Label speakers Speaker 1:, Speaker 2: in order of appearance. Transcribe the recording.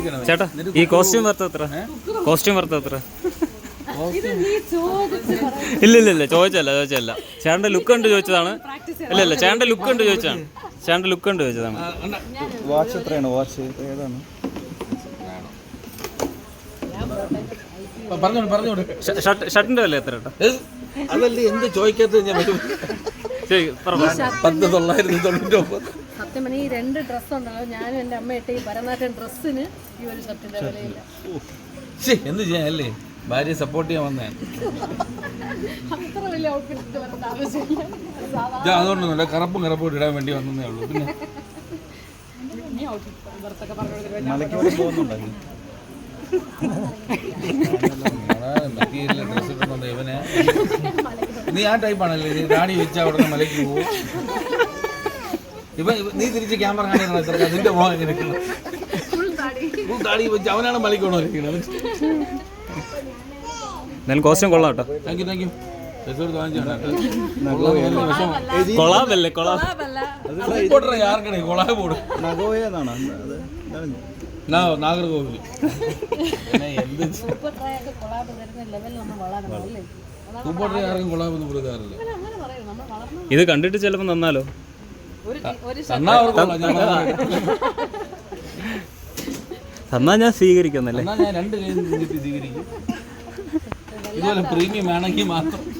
Speaker 1: ചേട്ടാ ഈ costume worth എത്ര? കോസ്റ്റ്യൂം വർത്ത് എത്ര? ഇല്ല ചോദിച്ചല്ല ചേട്ടൻ്റെ ലുക്ക് കണ്ട് ചോദിച്ചതാണ്. ഇല്ല ചേട്ടൻ്റെ ലുക്ക് കണ്ട് ചോദിച്ചതാണ്.
Speaker 2: വാച്ച് എത്രയാണ്? വാച്ച് ഏതാണ്?
Speaker 1: ഷർട്ടിന്റെ വില എത്ര?
Speaker 2: അതല്ലേ എന്ത് ചോദിക്കാത്ത ഞാൻ 10,999.
Speaker 3: സത്യം പറഞ്ഞാൽ ഈ 2 ഡ്രസ്സ് ഉണ്ടല്ലോ, ഞാനും എൻ്റെ അമ്മ ഇട്ട ഈ ഭരതനാട്യം ഡ്രസ്സിന് ഈ ഒരു ഷർട്ടിന്റെ വിലയില്ല.
Speaker 2: എന്ത് ചെയ്യാനല്ലേ, ഭാര്യയെ സപ്പോർട്ട് ചെയ്യാൻ വന്നേ.
Speaker 3: അത്ര വലിയ ഔട്ട്ഫിറ്റ് വരേണ്ട ആവശ്യമില്ല.
Speaker 2: അതുകൊണ്ടൊന്നുമില്ല, കറുപ്പും ഇടാൻ വേണ്ടി വന്നേ ഉള്ളൂ. പിന്നെ ഡ്രസ് ഇട്ടുണ്ടോ ഇവനെ? നീ ആ ടൈപ്പാണല്ലേ, നീ ഡാഡി വെച്ചാൽ ഉടനെ മലയ്ക്ക് പോകും. നീ തിരിച്ച് ക്യാമറ കാണിക്കണം. നിന്റെ മോഹം എങ്ങനെ ഡാഡി വെച്ച് അവനാണ് മലയ്ക്ക് കൊണ്ടിരിക്കുന്നത്.
Speaker 1: എന്തായാലും കോസ്റ്റ്യൂം കൊള്ളാം കേട്ടോ.
Speaker 2: Thank you. നാഗർകോവിൽ
Speaker 1: ഇത് കണ്ടിട്ട് ചിലപ്പോ നന്നാലോ. തന്നാ ഞാൻ സ്വീകരിക്കുന്നല്ലേ.
Speaker 2: ഞാൻ 2 കൈ സ്വീകരിക്കും. ഇതുപോലെ പ്രീമിയം ആണെങ്കിൽ മാത്രം.